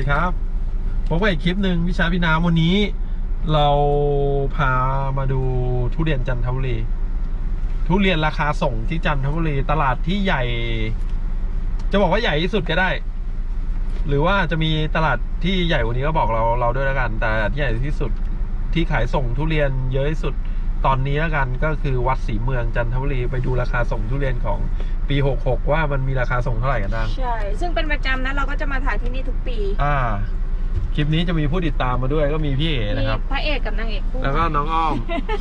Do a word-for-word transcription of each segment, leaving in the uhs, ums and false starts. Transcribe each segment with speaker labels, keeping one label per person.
Speaker 1: ดีครับพบกับอีกคลิปหนึ่งวิชาพี่น้ำวันนี้เราพามาดูทุเรียนจันทบุรีทุเรียนราคาส่งที่จันทบุรีตลาดที่ใหญ่ จะบอกว่าใหญ่ที่สุดก็ได้ หรือว่าจะมีตลาดที่ใหญ่กว่านี้ก็บอกเราเราด้วยแล้วกันแต่ที่ใหญ่ที่สุดที่ขายส่งทุเรียนเยอะที่สุดตอนนี้แล้วกันก็คือวัดศรีเมืองจันทบุรีไปดูราคาส่งทุเรียนของปีหกหกว่ามันมีราคาส่งเท่าไหร่กันบ้าง
Speaker 2: ใช่ซึ่งเป็นประจำนะเราก็จะมาถ่ายที่นี่ทุกปี
Speaker 1: อ่าคลิปนี้จะมีผู้ติดตามมาด้วยก็มีพี่เอ๋นะครับ
Speaker 2: พระเอกกับนางเอกคู่
Speaker 1: แล้วก็น้องอ้อม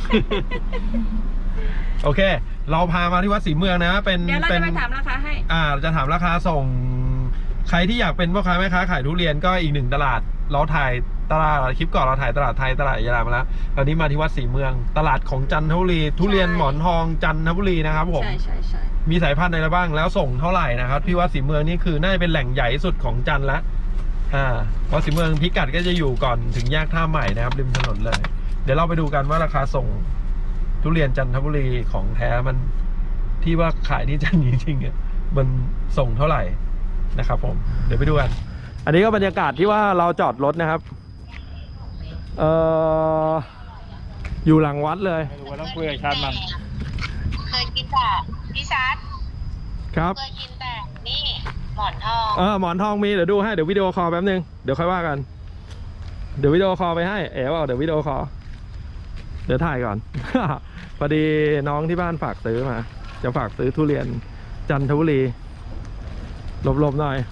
Speaker 1: โอเคเราพามาที่วัดศรีเมืองนะเป็น
Speaker 2: เดี๋ยวเราจะไปถามราคาให้
Speaker 1: อ่าจะถามราคาส่งใครที่อยากเป็นพ่อค้าแม่ค้าขายทุเรียนก็อีกหนึ่งตลาดเราถ่ายตลาดคลิปก่อนเราถ่ายตลาดไทยตลาดยาลามาแล้วตอนนี้มาที่วัดศรีเมืองตลาดของจันทบุรีทุเรียนหมอนทองจันทบุรีนะครับผม
Speaker 2: ใช่ใช่ใช่
Speaker 1: มีสายพันธุ์อะไรบ้างแล้วส่งเท่าไหร่นะครับที่วัดศรีเมืองนี่คือน่าจะเป็นแหล่งใหญ่ที่สุดของจันทร์ละอ่าวัดศรีเมืองพิกัดก็จะอยู่ก่อนถึงแยกท่าใหม่นะครับริมถนนเลยเดี๋ยวเราไปดูกันว่าราคาส่งทุเรียนจันทบุรีของแท้มันที่ว่าขายที่จันทร์จริงๆอ่ะมันส่งเท่าไหร่นะครับผมเดี๋ยวไปดูกันอันนี้ก็บรรยากาศที่ว่าเราจอดรถนะครับเอ่ออยู่หลังวัดเลย
Speaker 3: ไม่รู้ว่าต้องคุยกับชาติมัน
Speaker 4: เคยกินแต่พี่ชัด
Speaker 1: ครับ
Speaker 4: เคยกินแต่นี่หมอนทอง
Speaker 1: เออหมอนทองมีเดี๋ยวดูให้เดี๋ยววิดีโอคอลแป๊บนึงเดี๋ยวค่อยว่ากันเดี๋ยววิดีโอคอลไปให้เอ๋ว่าเดี๋ยววิดีโอคอลเดี๋ยวถ่ายก่อน พอดีน้องที่บ้านฝากซื้อมาจะฝากซื้อทุเรียนจันทบุรีหลบๆหน่อย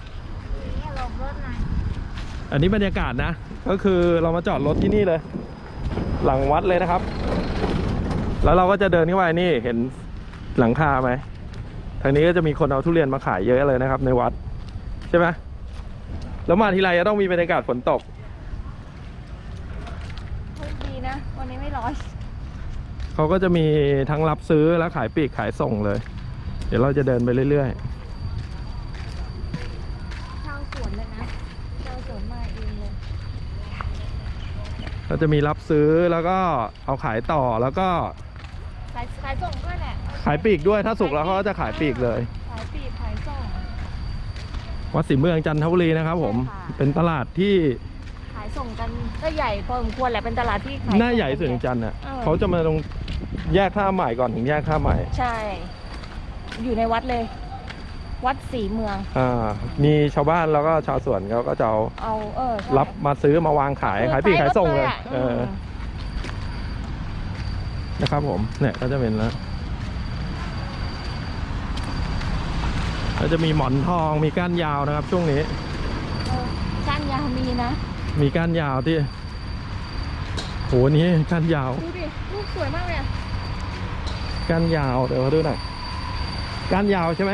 Speaker 1: อันนี้บรรยากาศนะก็คือเรามาจอดรถที่นี่เลยหลังวัดเลยนะครับแล้วเราก็จะเดินเข้าไปนี่เห็นหลังคาไหมทางนี้ก็จะมีคนเอาทุเรียนมาขายเยอะเลยนะครับในวัดใช่ไหมแล้วมาทีไรจะต้องมีบรรยากาศฝนตก
Speaker 2: ดีนะวันนี้ไม่ร้อน
Speaker 1: เขาก็จะมีทั้งรับซื้อและขายปลีกขายส่งเลยเดี๋ยวเราจะเดินไปเรื่อยๆ
Speaker 2: ชาวสวนเลยนะชาวสวนมาเองเลย
Speaker 1: เราจะมีรับซื้อแล้วก็เอาขายต่อแล้วก็
Speaker 2: ขายขายส่งด้วยแหละ
Speaker 1: ขายปลีกด้วยถ้าสุกแล้วเขาก็จะขายปลีกเลย
Speaker 2: ขายปลีกขายส่ง
Speaker 1: วัดศรีเมืองจันทบุรีนะครับผมเป็นตลาดที่
Speaker 2: ขายส่งกันก็ใหญ่พอสมควรแหละเป็นตลาดที่ขาย
Speaker 1: หน้าใหญ่สุดในจันทร์อ่ะเขาจะมาตรงแยกท่าใหม่ก่อนถึงแยกท่าใหม่
Speaker 2: ใช่อยู่ในวัดเลยวัดศรีเมือง
Speaker 1: อ่ามีชาวบ้านแล้วก็ชาวสวนเขาก็จะเอา
Speaker 2: เอาเออ
Speaker 1: รับมาซื้อมาวางขายขายปลีกขายส่งเลยเออนะครับผมเนี่ยก็จะเป็นแล้วแล้วจะมีหมอนทองมีก้านยาวนะครับช่วงนี้
Speaker 2: ก้านยาวมีนะ
Speaker 1: มีก้านยาวที่โหนี้ก้านยาว
Speaker 2: ดูดิลูกสวยมากเลยอ่ะ
Speaker 1: ก้านยาวเดี๋ยวมาดูหน่อยก้านยาวใช่ไหม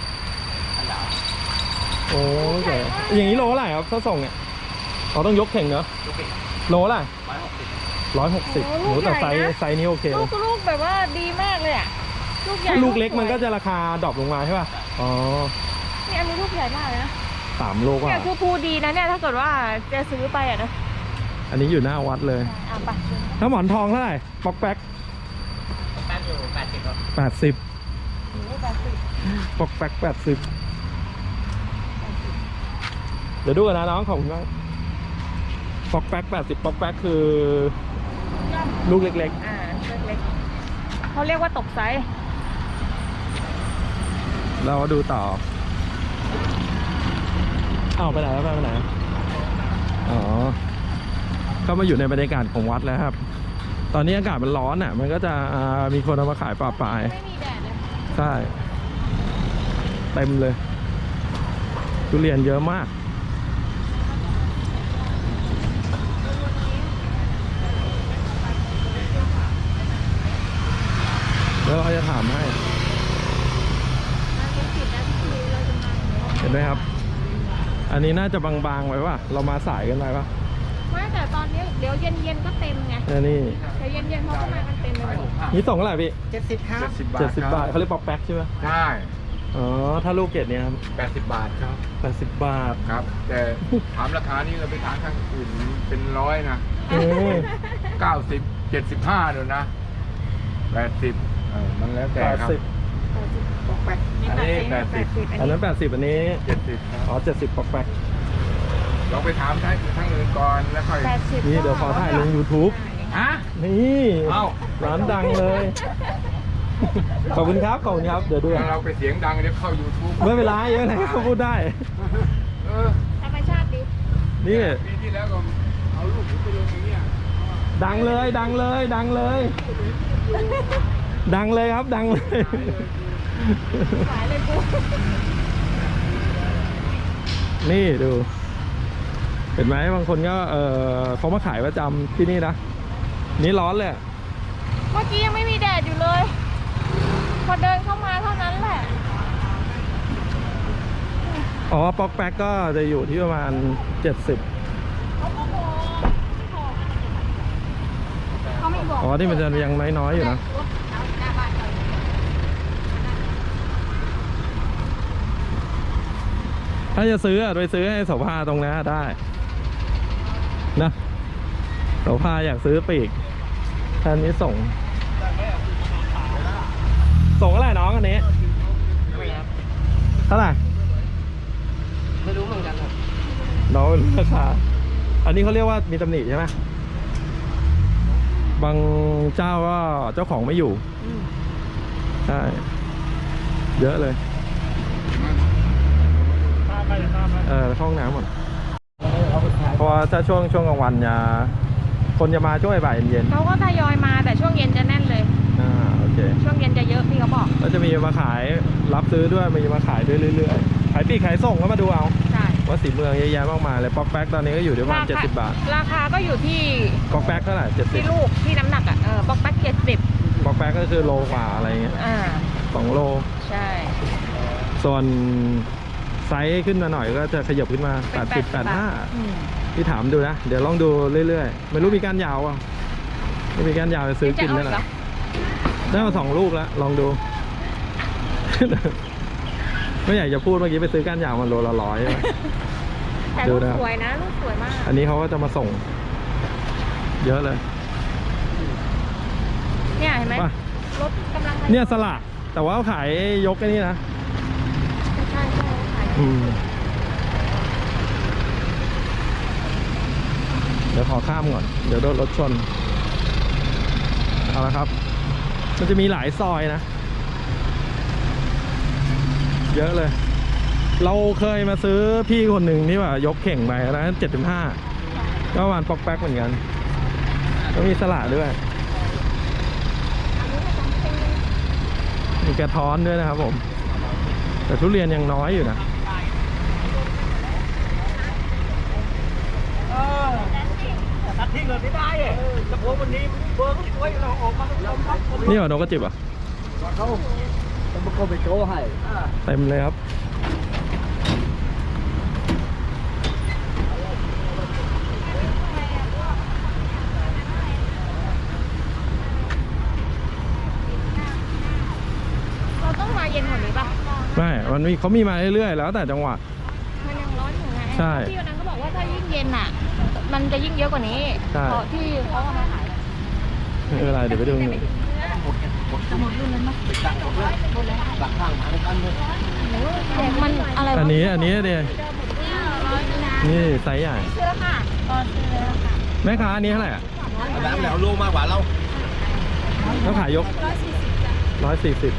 Speaker 1: โอ้ยอย่างนี้โลอะไรครับถ้าส่งเนี่ยเราต้องยกเข่งเนอะโลอะไรร้อยหกสิบโหแต่ไซส์ไซส์นี้โอเค
Speaker 2: ลูกลูกแบบว่าดีมากเลยอ่ะลูกใหญ่
Speaker 1: ลูกเล็กมันก็จะราคาดรอปลงมาใช่ป่ะอ๋อ
Speaker 2: นี่อันนี้ลูกใหญ่มากเลยนะ
Speaker 1: สามโลกว่า
Speaker 2: เนี่ยคือภูดีนะเนี่ยถ้าเกิดว่าจะซื้อไปอ่ะนะ
Speaker 1: อันนี้อยู่หน้าวัดเลย
Speaker 2: อ่ะไป
Speaker 1: ถ้าหมอนทองเท่าไหร่ป๊อกแป๊ก
Speaker 3: แป๊กอยู่แปดสิบครับ
Speaker 1: แปดสิบ
Speaker 2: แปดสิบ
Speaker 1: ป๊อกแป๊กแปดสิบเดี๋ยวดูกันนะน้องของคุณบ้างป๊อกแป๊กแปดสิบป๊อกแป๊กคือลูกเล็ก
Speaker 2: ๆอ่าเล็กๆเขาเรียกว่าตกไซส์
Speaker 1: เราดูต่อเอาไปไหนแล้วไปไหนอ๋อเข้ามาอยู่ในบรรยากาศของวัดแล้วครับตอนนี้อากาศมันร้อนอ่ะมันก็จะมีคนเอามาขายปลาปลาย
Speaker 2: ไม่มีแดดเลย
Speaker 1: ใช่เต็มเลยทุเรียนเยอะมากแล้วเราจะถามให้เห็นไหมครับอันนี้น่าจะบางๆไว้ป่ะเรามาสายกันไปป่ะ
Speaker 2: ไม่แต่ตอนนี้เดี๋ยวเย็นๆก็เต็มไง
Speaker 1: นี่
Speaker 2: เดี๋ยวเย็นๆเขาก็มากันเต็มเลย
Speaker 1: นี่ส่งเท่าไหร่พี่
Speaker 3: เจ็ดสิบครับ
Speaker 1: เจ็ดสิบบาทเขาเรียกป๊อกแป๊กใช่ไหม
Speaker 3: ใช่
Speaker 1: อ๋อถ้าลูกเกดเนี่ยครับ
Speaker 3: แปดสิบบาทครับ
Speaker 1: แปดสิบบาท
Speaker 3: ครับแต่ถามราคานี้เราไปทานข้างอื่นเป็นร้อยนะเก้าสิบเจ็ดสิบห้าเดี๋ยวนะแปดสิบมันแล้วแต่ครับอันนี้แปดสิบ
Speaker 1: อันนั้นแปดสิบอันนี้
Speaker 3: เจ็ดสิบอ๋
Speaker 1: อเจ็ดสิบป๊อกแป๊ก
Speaker 3: เราไปถามทั้งทั้งอื่นก่อนแล้วค่อย
Speaker 2: แปดสิบ
Speaker 1: นี่เดี๋ยวขอถ่ายลง YouTube
Speaker 3: ฮะ
Speaker 1: นี่
Speaker 3: เอ้า
Speaker 1: ร้านดังเลย ขอบคุณครับ ขอบคุณครับ เดี๋ยวดู
Speaker 3: ถ้าเราไปเสียงดังเดี๋ยวเข้า YouTube
Speaker 1: ไม่เป็นไรเยอะเลยเขาพูดได้
Speaker 3: เออ
Speaker 2: ธรรมชาติดิ
Speaker 1: นี่
Speaker 3: ปีที่แล้วก็เอาลูกผมไปลงอย่างเงี้ย
Speaker 1: ดังเลย ดังเลย ดังเลย ดังเลยครับ ดังเลย
Speaker 2: หายเลยกู
Speaker 1: นี่ดู เห็นไหมบางคนก็เออเขามาขายประจำที่นี่นะ นี่ร้อนเลย
Speaker 2: เมื่อกี้ยังไม่มีแดดอยู่เลย พอเดินเข้ามาเท่านั้นแหละ
Speaker 1: อ๋อป๊อกแป๊กก็จะอยู่ที่ประมาณเจ็ดสิบ
Speaker 2: เขาไม่บอก
Speaker 1: อ๋อที่มันจะยังน้อยๆอยู่นะ ถ้าจะซื้ออะไปซื้อให้โสภาตรงนั้นได้นะโสภาอยากซื้อปีกท่านนี้ส่ง ส่งอะไรน้องอันนี้เท่าไหร่
Speaker 5: ไม่รู้เหมือนกันครับ
Speaker 1: น้องไม่รู้ราคา อันนี้เขาเรียกว่ามีตำหนิใช่ไหมบางเจ้าก็เจ้าของไม่อยู่ใช่เยอะเลยเออเข้าห้องน้ำหมดเพราะว่าถ้าช่วงช่วงกลางวันจะคนจะมาช่วงบ่ายเย็น
Speaker 2: เขาก็ทยอยมาแต่ช่วงเย็นจะแน่นเลย
Speaker 1: ๆอ่าโอเค
Speaker 2: ช่วงเย็นจะเยอะพี่เขาบอก
Speaker 1: แล้วจะมีมาขายรับซื้อด้วยมีมาขายด้วยเรื่อยๆขายปลีกขายส่งก็มาดูเอา
Speaker 2: ใช่
Speaker 1: ว่าสีเมืองเยอะแยะมากมายเลยป๊อกแป๊กตอนนี้ก็อยู่ที่ประมาณเจ็ดสิบบาท
Speaker 2: ราคาก็อยู่ที่
Speaker 1: ป๊อกแป๊กเท่าไหร่เจ็ดสิบ
Speaker 2: ที่ลูกที่น้ำหนักอ่ะ เออบอกแป๊กเจ็ดสิบ
Speaker 1: ป๊อกแป๊กก็คือโลกว่าอะไรเงี้ย
Speaker 2: อ่า
Speaker 1: สองโล
Speaker 2: ใช่
Speaker 1: ส่วนไซส์ขึ้นมาหน่อยก็จะขยับขึ้นมาแปดสิบ แปดสิบห้า
Speaker 2: อืม
Speaker 1: พี่ถามดูนะ เดี๋ยวลองดูเรื่อยๆ ไม่รู้มีก้านยาวอ่ะไม่มีก้านยาวจะซื้อกิน
Speaker 2: จะ
Speaker 1: นั่น
Speaker 2: เอา
Speaker 1: แห
Speaker 2: อีกเหร
Speaker 1: ละ
Speaker 2: อ
Speaker 1: ได้มาสองลูกแล้ว ลองดู ไม่อยากจะพูดเมื่อกี้ไปซื้อก้านยาวมันโลละร้อยใช่ไหม
Speaker 2: แต่
Speaker 1: ดู
Speaker 2: ลูก
Speaker 1: นะ
Speaker 2: สวยนะลูกสวยมาก
Speaker 1: อันนี้เขาก็จะมาส่ง เยอะเลย
Speaker 2: เนี่ยเห็นไหม
Speaker 1: ว่าร
Speaker 2: ถกำลัง
Speaker 1: เนี่ยสละแต่ว่าเขาขายยกไอ้นี่นะ
Speaker 2: ใช่ใช่ขาย
Speaker 1: อืมเดี๋ยวขอข้ามก่อน เดี๋ยวโดนรถชน เอาละครับ มันจะมีหลายซอยนะ เยอะเลย เราเคยมาซื้อพี่คนหนึ่งที่ว่ายกเข่งไปนะเจ็ดสิบห้าก็ประมาณปอกแป๊กเหมือนกันก็มีสละด้วย มีกระท้อนด้วยนะครับผม แต่ทุเรียนยังน้อยอยู่นะ
Speaker 5: ตัดทิ้งเลยไม่ได้เออแต่ผมวันนี้เบิร์กไว้เราออกมาเราพักคน
Speaker 1: นี่เหรอนกกระจิบอ่ะ
Speaker 5: เขาต้องมาโกไปโจ้ให้
Speaker 1: เต็มเลยครับ
Speaker 2: เราต้องมาเย็นกว่านี้ป่ะ
Speaker 1: ไม่ มันมีเขามีมาเรื่อยๆ แล้วแต่จังหวะ
Speaker 2: มันยังร้อนอยู่ไง
Speaker 1: ใช่
Speaker 2: ที่วันนั้นเขาบอกว่าถ้ายิ่งเย็นอ่ะ มันจะยิ่งเยอะกว่านี้
Speaker 1: ใช่
Speaker 2: เพราะที่เขาเอามาขาย
Speaker 1: ไม่เป็นไรเดี๋ยวไปดูหนึ่ง
Speaker 2: จะหมดรุ่นแล้วมั้ย
Speaker 5: หลักข้างทางกันเลย
Speaker 2: มันอะไรวะ
Speaker 1: อันนี้อันนี้เดียนี่ไซส์ใหญ่
Speaker 2: ซื้อแล้วค่ะตอนซื้อแล้วค่ะ
Speaker 1: แม่ค้าอันนี้เท่าไหร่อ่ะ
Speaker 5: น้ำแล้วลูกมากกว่าเรา
Speaker 1: แล้วขายยกร้อยสี่สิบ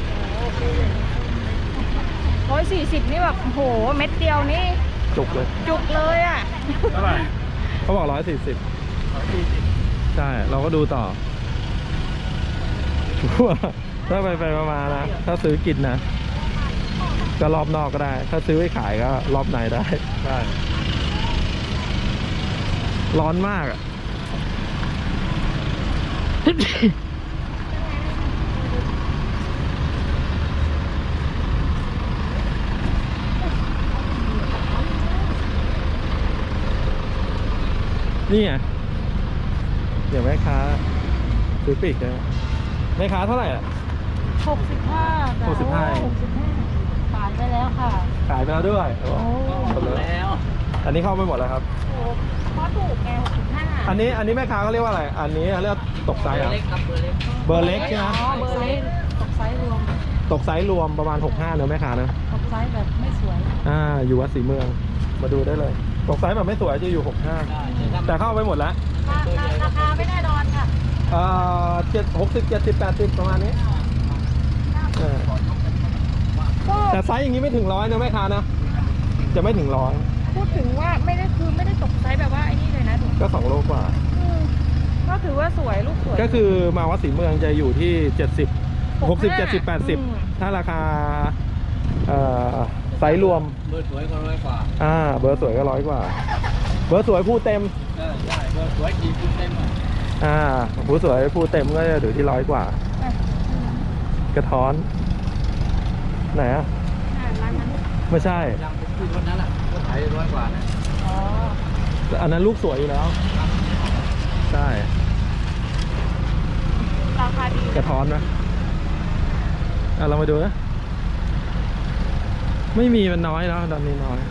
Speaker 2: ร้อยสี่สิบนี่แบบโหเม็ดเดียวนี่
Speaker 1: จุกเลย
Speaker 2: จุกเลยอ่ะ
Speaker 1: เท่าไหร่เขาบอกร้อยสี่สิบใช่ เราก็ดูต่อ ถ้าไปไปมาๆนะ ถ้าซื้อกินนะ ก็รอบนอกก็ได้ ถ้าซื้อไว้ขายก็รอบในได้ใช่ร้อนมากอ่ะ นี่ไงเดี๋ยวแม่ค้าซื้อปีกเลยแม่ค้าเท่าไหร่อ่ะ
Speaker 2: หกสิบห้า
Speaker 1: หกสิบห้า
Speaker 2: หกสิบห้าขายไปแล้วค่ะ
Speaker 1: ขายไปแล้วด้วยโอ้หมดเลย
Speaker 5: แล้ว
Speaker 1: อันนี้เข้าไปหมดแล้วครับ
Speaker 2: โอ้เพราะถูกไงหกสิบห้า
Speaker 1: อันนี้อันนี้แม่ค้าเขาเรียกว่าอะไร อันนี้เขาเรียกตกไซส์เหรอ่ะ
Speaker 5: เล็กครับเบอร์เล็ก
Speaker 1: เบอร์เล็กใช่ไหม
Speaker 2: อ๋อเบอร์เล็กตกไซส์รวม
Speaker 1: ตกไซส์รวมประมาณหกสิบห้าเนอะแม่ค้านะ
Speaker 2: ตกไซส์แบบไม่สวย
Speaker 1: อ่าอยู่วัดศรีเมืองมาดูได้เลยตกไซส์แบบไม่สวยจะอยู่หกห้าแต่เข้าไปหมดแล้ว
Speaker 2: ราคาไม่แน่นอนค่ะ
Speaker 1: อ่าเจ็ดหกสิบเจ็ดสิบแปดสิบประมาณนี้เออ
Speaker 2: ก็
Speaker 1: แต่ไซส์อย่างนี้ไม่ถึงร้อยนะแม่ค้านะจะไม่ถึงร้อย
Speaker 2: พูดถึงว่าไม่ได้คือไม่ได้ตกไซส์แบบว่าไอ้นี่เลยนะดู
Speaker 1: ก็สองโลกว่า
Speaker 2: อืมก็ถือว่าสวยลูกสวย
Speaker 1: ก็คือมาวัดศรีเมืองจะอยู่ที่เจ็ดสิบหกสิบเจ็ดสิบแปดสิบ
Speaker 2: อืม
Speaker 1: ถ้าราคาเอ่อไซส์รวม
Speaker 5: เบอร์สวยก็ร้อยกว่า
Speaker 1: อ่าเบอร์สวยก็ร้อยกว่า เบอร์สวยผู้เต็ม
Speaker 5: เออใช่เบอร์สวยกี่คุณเต็มอ่ะ
Speaker 1: อ่าผู้สวยผู้เต็มก็จะอยู่ที่ร้อยกว่า
Speaker 2: อ่ะ
Speaker 1: กระท้อน ไหนอ่ะ
Speaker 2: อ่ะร้านนั้น
Speaker 1: ไม่ใช่
Speaker 5: ยังเป็นคือคนนั้นอ่ะก็ขายร้อยกว่านะ
Speaker 2: อ๋อ
Speaker 1: อันนั้นลูกสวยอยู่แล้ว ใช่
Speaker 2: ราคาดี
Speaker 1: กระท้อนนะอ่ะเรามาดูนะไม่มีมันน้อยแล้วตอนนี้น้อย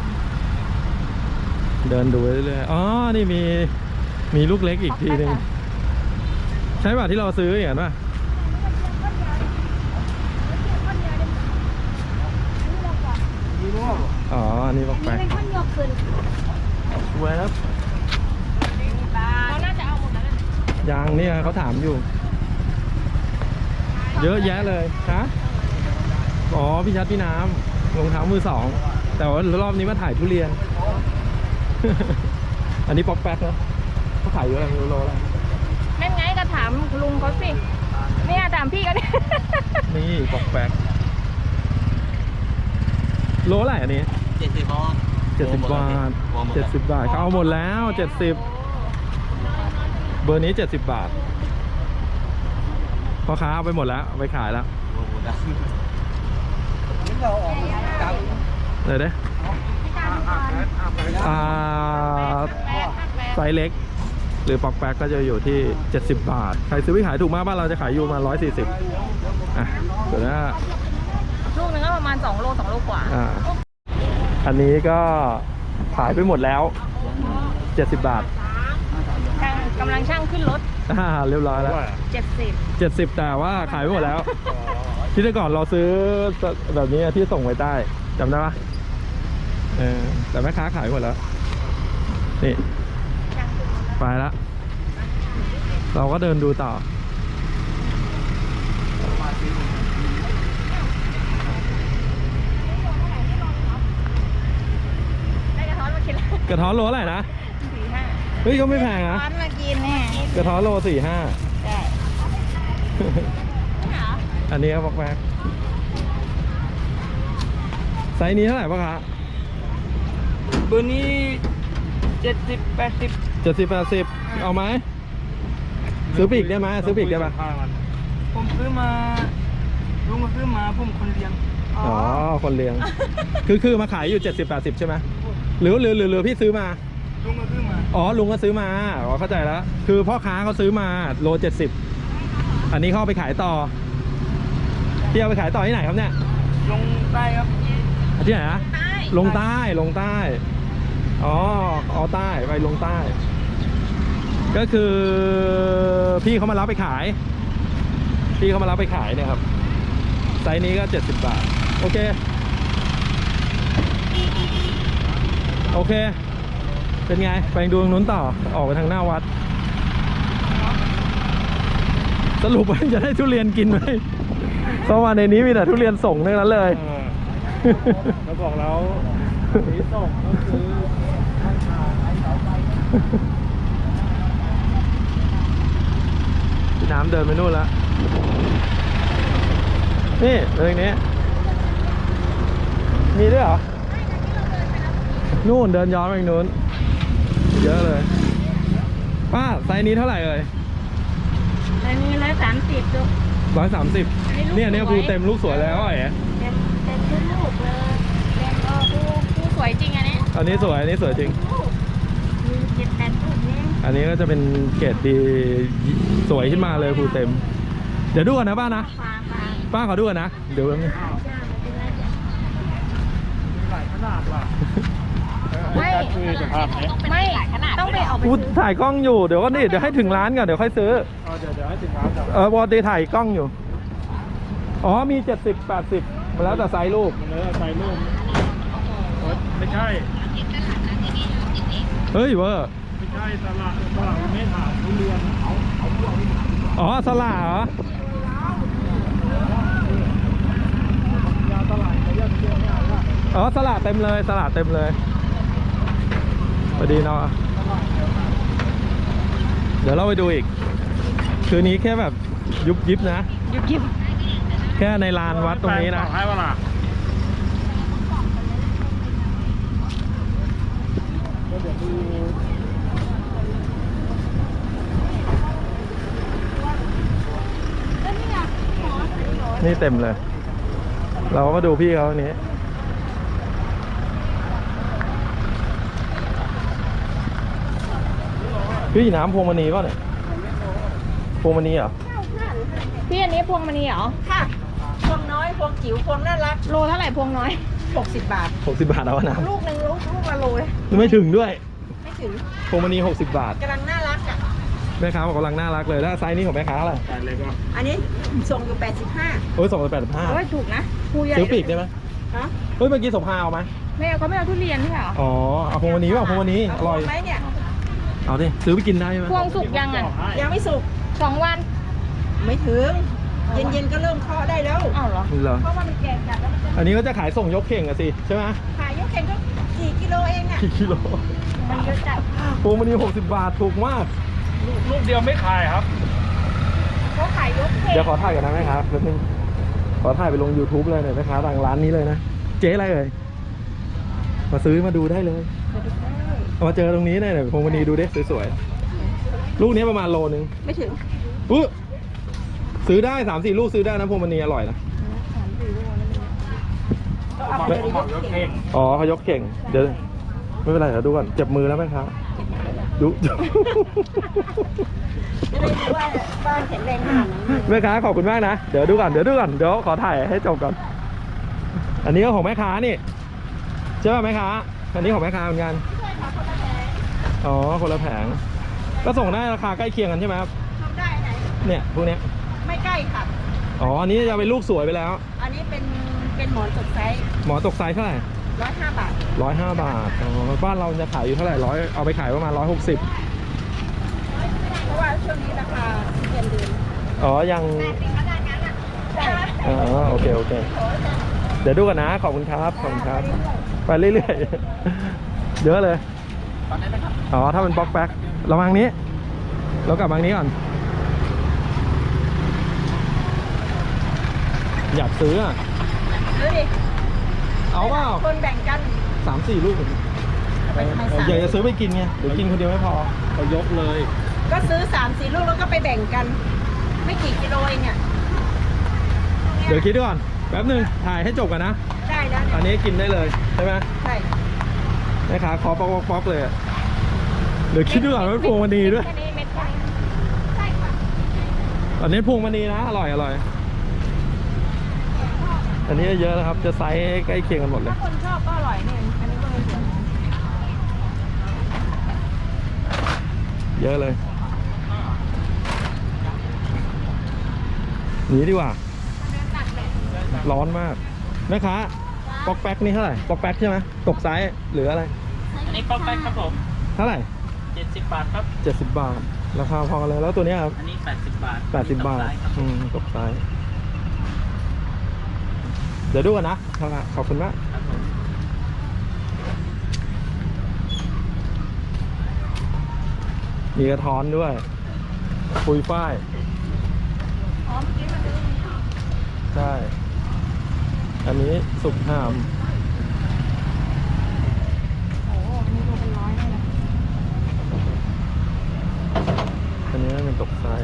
Speaker 1: เดินดูเรื่อยๆอ๋อนี่มีมีลูกเล็กอีกทีหนึ่งใช่ป่ะที่เราซื้ออย่างนั้นป่ะอ๋ออันนี้บอกไป
Speaker 2: เป็นข้นยกขึ้น
Speaker 1: สวยครับ
Speaker 2: เขาน่าจะเอาหมดแล้วนะ
Speaker 1: ยางเนี่ยเขาถามอยู่ เยอะแยะเลยฮะอ๋อพี่ชัดพี่น้ำรองเท้ามือสองแต่ว่ารอบนี้มาถ่ายทุเรียน อันนี้ป๊อกแป๊กนะเขาขายอยู่อะไรไม่รู้โลอะไร
Speaker 2: นั่นไงก็ถามลุงเขาสิเนี่ยถามพี่ก็เนี่ย
Speaker 1: นี่ป๊อกแป๊กโลอะไรอันนี้
Speaker 5: เจ็ดสิบบาท
Speaker 1: เจ็ดสิบบาทเจ็ดสิบบาทเขาเอาหมดแล้วเจ็ดสิบเบอร์นี้เจ็ดสิบบาทพ่อค้าเอาไปหมดแล้วเอาไปขายแล้ว
Speaker 5: เราออกจาก
Speaker 1: เดี๋ยวเด้อ่าไซส์เล็ก หรือปอกแป๊กก็จะอยู่ที่เจ็ดสิบบาทใครซื้อไปขายถูกมากบ้านเราจะขายอยู่มาร้อยสี่สิบอ่ะเดี๋ยวนะ
Speaker 2: ลูกนึงก็ประมาณสองโลสองโลกว่า
Speaker 1: อ่าอันนี้ก็ขายไปหมดแล้วเจ็ดสิบบาท
Speaker 2: ช่างกำลังช่างขึ้นรถ
Speaker 1: อ่าเรียบร้อยแล้ว
Speaker 2: เจ็ดสิบ
Speaker 1: เจ็ดสิบแต่ว่าขายไปหมดแล้ว ที่แต่ก่อนเราซื้อแบบนี้ที่ส่งไว้ใต้จำได้ปะเออแต่แม่ค้าขายหมดแล้วนี่ไปแล้วเราก็เดินดูต่อ
Speaker 2: ได้กระท้อนมากินแล้ว
Speaker 1: กระท้อนโลเท่าไหร่นะ
Speaker 2: สี่ห้า
Speaker 1: เฮ้ยก็ไม่แพงนะ
Speaker 2: ท้อนมากินแน่
Speaker 1: กระท้อนโลสี่ห้า
Speaker 2: ใช่เหรอ
Speaker 1: อันนี้ก็บอกแม็กไซส์นี้เท่าไหร่ปะคะ
Speaker 5: เบอร์นี้เจ็ดสิบแปดสิบ
Speaker 1: เจ็ดสิบแปดสิบเอาไหมซื้อปีกได้ไหมซื้อปีกได้ปะ
Speaker 5: ผมซื้อมาลุงมาซื้อมาผมคนเลี้ยง
Speaker 1: อ๋อคนเลี้ยง คือคือมาขายอยู่เจ็ดสิบแปดสิบใช่ไหมหรือหรือหรือหรือพี่ซื้อมา
Speaker 5: ลุงมาซื้อมา
Speaker 1: อ๋อลุงก็ซื้อมาอ๋อเข้าใจแล้วคือพ่อค้าเขาซื้อมาโลเจ็ดสิบอันนี้เขาเอาไปขายต่อที่เอาไปขายต่อที่ไหนครับเนี่ย
Speaker 5: ลงใต้ครับ
Speaker 1: ที่ไหนนะ
Speaker 2: ใต้
Speaker 1: ลงใต้ลงใต้อ๋อเอาใต้ไปลงใต้ ก็คือพี่เขามารับไปขายพี่เขามารับไปขายเนี่ยครับไซส์นี้ก็เจ็ดสิบบาทโอเคโอเคเป็นไงไปดูตรงนู้นต่อออกไปทางหน้าวัดสรุปว่าจะได้ทุเรียนกินไหมเพราะว่าในนี้มีแต่ทุเรียนส่งทั้งนั้นเลย
Speaker 5: เราบอกแล้วสีส่งก็คือ
Speaker 1: พี่น้ำเดินไปนู่นแล้วนี่เรื่องนี้มีด้วยเหรอนู่นเดินย้อนไปทางนู้นเยอะเลยป้าไซส์นี้เท่าไหร่เอ่ย
Speaker 2: อันนี้ร้อยสามสิบดู
Speaker 1: ร้อยสามสิบ
Speaker 2: อันนี้ลูก
Speaker 1: เนี่ยเนี่ย
Speaker 2: สวย
Speaker 1: ภูเต็มลูกสวยแล้วไอ้
Speaker 2: เต็มเต็มทุกลูกเลยเต็มเออผู้ผู้สวยจริงอันนี้
Speaker 1: อันนี้สวยอันนี้สวยจริง
Speaker 2: มีเจ็ดแปดลูกนี่
Speaker 1: อันนี้ก็จะเป็นเกรดดีสวยขึ้นมาเลยภูเต็ม เดี๋ยวดูกันนะป้านะ
Speaker 2: ฟางฟาง
Speaker 1: ป้าขอดูกันนะเดี๋ยวแป๊บนึง
Speaker 5: หลายขนาดว่ะ
Speaker 2: ไม่
Speaker 5: คือสภาพนี้
Speaker 2: ไม่ต้องไปออกไป
Speaker 1: กูถ่ายกล้องอยู่เดี๋ยวก็นี่เดี๋ยวให้ถึงร้านก่อนเดี๋ยวค่อยซื้อ
Speaker 5: เอาเดี๋ยวเดี๋ยวให้สินค้าจับ
Speaker 1: เออปกติถ่ายกล้องอยู่อ๋อมีเจ็ดสิบแปดสิบมาแล้วแต่ไซส์ลูก
Speaker 5: มันเลยใส่รูปไม่ใช่
Speaker 1: เฮ้ยเวอร์
Speaker 5: ไม่ใช่ตลาดตลาดไม่ถามทุเรียนเอาเอา
Speaker 1: อ๋อสละเหรอ
Speaker 5: ยาตลาดเขาเรียกเยอะมากว่า
Speaker 1: อ๋อสละเต็มเลยสละเต็มเลยพอดีเนาะเดี๋ยวเราไปดูอีก คืนนี้แค่แบบยุบยิบนะ
Speaker 2: ยุบยิบ
Speaker 1: แค่ในลานวัดตรงนี้นะ
Speaker 5: ให้เวลาเดี๋ยวดู
Speaker 1: นี่เต็มเลย เราก็มาดูพี่เขาอันนี้พี่น้ำพวงมณีป่ะเนี่ยพวงมณีเหรอ
Speaker 2: พี่อันนี้พวงมณีเหรอ
Speaker 6: ค่ะ พวงน้อย พวงจิ๋ว พวงน่ารัก
Speaker 2: โลเท่าไหร่พวงน้อย
Speaker 6: หกสิบบาท
Speaker 1: หกสิบบาทเอาน้
Speaker 6: ลูกหนึ่งลูกลูกละโลเลย
Speaker 1: ำไม่ถึงด้วย
Speaker 6: ไม่ถึง
Speaker 1: พวงมณีหกสิบบาท
Speaker 6: กำลังน่ารักอ่ะ
Speaker 1: แม่ค้าบอกกำลังน่ารักเลยแล้วไซส์นี้ของแม่ค้าอะไร
Speaker 5: แต่เลยก็
Speaker 6: อันนี้ส่งอยู่แปดสิบห้า
Speaker 1: โอ้ยสองร้อยแปดสิบห้า
Speaker 2: โอ้ยถูกนะภูใหญ่
Speaker 1: ซื้อปีกได้ไหม
Speaker 6: ฮะ
Speaker 1: เฮ้ยเมื่อกี้สมพาเอาไหม
Speaker 2: ไม่เอาเขาไม่เอาทุเรียนใช่ไหม
Speaker 1: อ๋อเอาพวงมณีป่ะพวงมณีอร่อย
Speaker 6: ไหมเนี่ย
Speaker 1: เอาดิซื้อไปกินได้ไหม
Speaker 2: พวงสุกยังอ่ะ
Speaker 6: ยังไม่สุก
Speaker 2: สองวัน
Speaker 6: ไม่ถึง เย็นๆก็เริ่มเคาะได้แล้ว
Speaker 2: อ้าวเหรอ
Speaker 1: เหรอ
Speaker 6: เพราะว่ามันแก่จัดแล้วมันจะ
Speaker 1: อันนี้ก็จะขายส่งยกเข่งอะสิใช่ไหม
Speaker 6: ขายยกเข่งก็กี่กิโลเองอ่ะ
Speaker 1: กี่กิโล
Speaker 6: มันเยอะจัด
Speaker 1: พวงมณีหกสิบบาทถูกมาก
Speaker 5: ลูกลูกเดียวไม่ขายครับ
Speaker 2: เขาขายยกเข่ง
Speaker 1: เดี๋ยวขอถ่ายกันนะแม่ครับแป๊บนึงขอถ่ายไปลง YouTube เลยหน่อยแม่ค้าดังร้านนี้เลยนะ เจ๊อะไรเอ่ยมาซื้อมาดูได้เลยเอามาเจอตรงนี้หน่อยหน่อยพวงมณีดูดิสวยๆลูกนี้ประมาณโลนึง
Speaker 6: ไม่ถึง
Speaker 1: อุ๊ยซื้อได้สามสี่ลูกซื้อได้นะพวงมณีอร่อยนะ
Speaker 6: ก็เอาไปเลยยกเข่ง
Speaker 1: อ๋อเขายกเก่งเดี๋ยวไม่เป็นไรเดี๋ยวดูก่อนเจ็บมือแล้วแม่ค้าดู
Speaker 6: จะได้รู้ว่าบ้านแข็งแรงขนาดไหน
Speaker 1: แม่ค้าขอบคุณมากนะเดี๋ยวดูก่อนเดี๋ยวดูก่อนเดี๋ยวขอถ่ายให้จบก่อนอันนี้ก็ของแม่ค้านี่ใช่ป่ะแม่ค้าอันนี้ของแม่ค้าเหมือนกันอ๋อคนละแผงก็ส่งได้ราคาใกล้เคียงกันใช่ไหมครับ
Speaker 6: ทำได้ไหน
Speaker 1: เนี่ยพวกเนี้ย
Speaker 6: ไม่ใกล้ค่ะ
Speaker 1: อ๋ออันนี้จะเป็นลูกสวยไปแล้ว
Speaker 6: อันนี้เป็นเป็นหมอนสดไซส์
Speaker 1: หมอตกไซส์เท่าไหร่
Speaker 6: ร้อยห้าบาท
Speaker 1: ร้อยห้าบาทอ๋อบ้านเราจะขายอยู่เท่าไหร่ร้อยเอาไปขายประมาณร้อยหกสิบ
Speaker 6: เพราะว่าช่วงนี้ราคาเดือนเดือน
Speaker 1: อ๋อยัง
Speaker 6: ใช่
Speaker 1: อ๋อโอเคโอเคเดี๋ยวดูกันนะขอบคุณครับขอบคุณครับไปเรื่อยๆเยอะเลยอ๋อถ้าเป็นบล็อกแบ็คระวังนี้เรากลับมานี้ก่อนอยากซื้ออ่ะ
Speaker 6: ดูดิ
Speaker 1: เอาเปล่า
Speaker 6: คนแบ่งกัน
Speaker 1: สามสี่ลูก
Speaker 6: ไปทำไมสาม
Speaker 1: อยากจะซื้อไปกินไงเดี๋ยวกินคนเดียวไม่พอเอายกเลย
Speaker 6: ก็ซื้อสามสี่ลูกแล้วก็ไปแบ่งกัน ไม่กี่กิโลเองเนี่ย
Speaker 1: เดี๋ยวคิดดูก่อนแป๊บหนึงถ่ายให้จบกันนะ
Speaker 6: ได้แล้ว
Speaker 1: อัน
Speaker 6: เนี่ย
Speaker 1: นี้กินได้เลยใช่ไหม
Speaker 6: ใช่
Speaker 1: แม่ค้าขอป๊อกป๊อกป๊อกเลยอะเดี๋ยวคิดดูก่อนว่าพวงมณีด้วย
Speaker 2: แค่นี้เม็ดแค่นี้ใช่ค่ะ
Speaker 1: อันนี้พวงมณีนะอร่อยอร่อยอันนี้เยอะนะครับ จะไซส์ใกล้เคียงกันหมดเลย
Speaker 6: ถ้าคนชอบก็อร่อยเนี่ยอันนี้ก็ไม่สวย
Speaker 1: เยอะเลยหนีดีกว่า ร้อนมากแม่ค้าป๊อกแป๊กนี่เท่าไหร่ป๊อกแป๊กใช่ไหมตกไซส์หรืออะไร
Speaker 5: อันนี้ป๊อกแป๊กครับผม
Speaker 1: เท่าไหร่
Speaker 5: เจ็ดสิบบาทครับ
Speaker 1: เจ็ดสิบบาทราคาพอกันเลยแล้วตัวเนี้ยครับ
Speaker 5: อันนี้แปดสิบบาท
Speaker 1: แปดสิบบาท
Speaker 5: ครับ
Speaker 1: อืมตกไซส์เดี๋ยวดูกันนะขอบคุณมาก
Speaker 5: ครับผม
Speaker 1: มีกระท้อนด้วยปุยฝ้าย
Speaker 6: อ๋อเมื่อกี้มันดู
Speaker 1: ใช่ อันนี้สุกหาม
Speaker 2: โอ้โหอันนี้โลเป็นร้อยเลยนะ
Speaker 1: อันนี้เป็นตกไซส์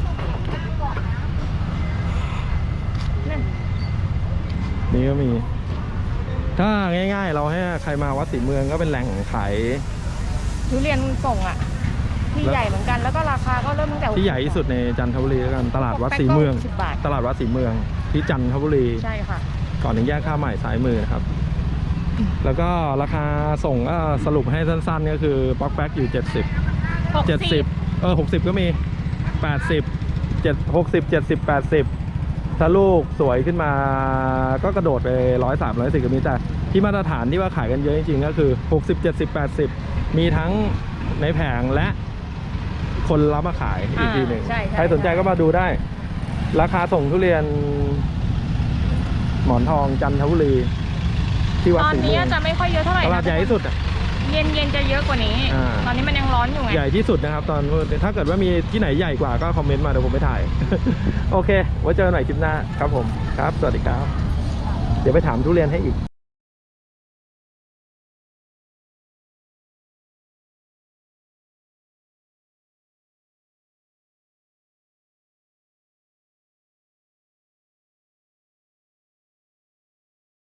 Speaker 2: นั่น
Speaker 1: นี่ก็มี ถ้าง่ายๆ เราให้ใครมาวัดศรีเมืองก็เป็นแหล่งขาย
Speaker 2: ทุเรียนส่งอ่ะ ที่ใหญ่เหมือนกันแล้วก็ราคาก็เริ่มตั้งแต่
Speaker 1: ที่ใหญ่ที่สุดในจันทบุรีแล้วกันตลาดวัดศรีเมือง
Speaker 2: สิบบาท
Speaker 1: ตลาดวัดศรีเมืองที่จันทบุรี
Speaker 2: ใช่ค่ะ
Speaker 1: ก่อนถึงแยกข้ามใหม่ซ้ายมือนะครับ แล้วก็ราคาส่งก็สรุปให้สั้นๆก็คือป๊อกแป๊กอยู่เจ็ดสิบ เจ็ดสิบเออหกสิบก็มีแปดสิบเจ็ดหกสิบเจ็ดสิบแปดสิบถ้าลูกสวยขึ้นมาก็กระโดดไปร้อยสามร้อยสี่ก็มีแต่ที่มาตรฐานที่ว่าขายกันเยอะจริงๆก็คือหกสิบเจ็ดสิบแปดสิบมีทั้งในแผงและคนรับมาขายอีกทีหนึ่ง
Speaker 2: อ่าใช่ใช่
Speaker 1: ใครสนใจก็มาดูได้ ราคาส่งทุเรียน หมอนทองจันทบุรีที่วัด
Speaker 2: ตอน
Speaker 1: ศรี
Speaker 2: นี้
Speaker 1: เมือง
Speaker 2: จะไม่ค่อยเยอะเท่าไหร่
Speaker 1: ต
Speaker 2: นะ
Speaker 1: ลาดใหญ่ที่สุดอ่ะ
Speaker 2: เย็นเย็นๆจะเยอะกว่านี้
Speaker 1: อ่า
Speaker 2: ตอนนี้มันยังร้อนอยู่ไง
Speaker 1: ใหญ่ที่สุดนะครับ ตอนถ้าเกิดว่ามีที่ไหนใหญ่กว่าก็คอมเมนต์มาเดี๋ยวผมไปถ่าย โอเค ไว้เจอกันใหม่คลิปหน้าครับผมครับ สวัสดีครับ เดี๋ยวไปถามทุเรียนให้อีก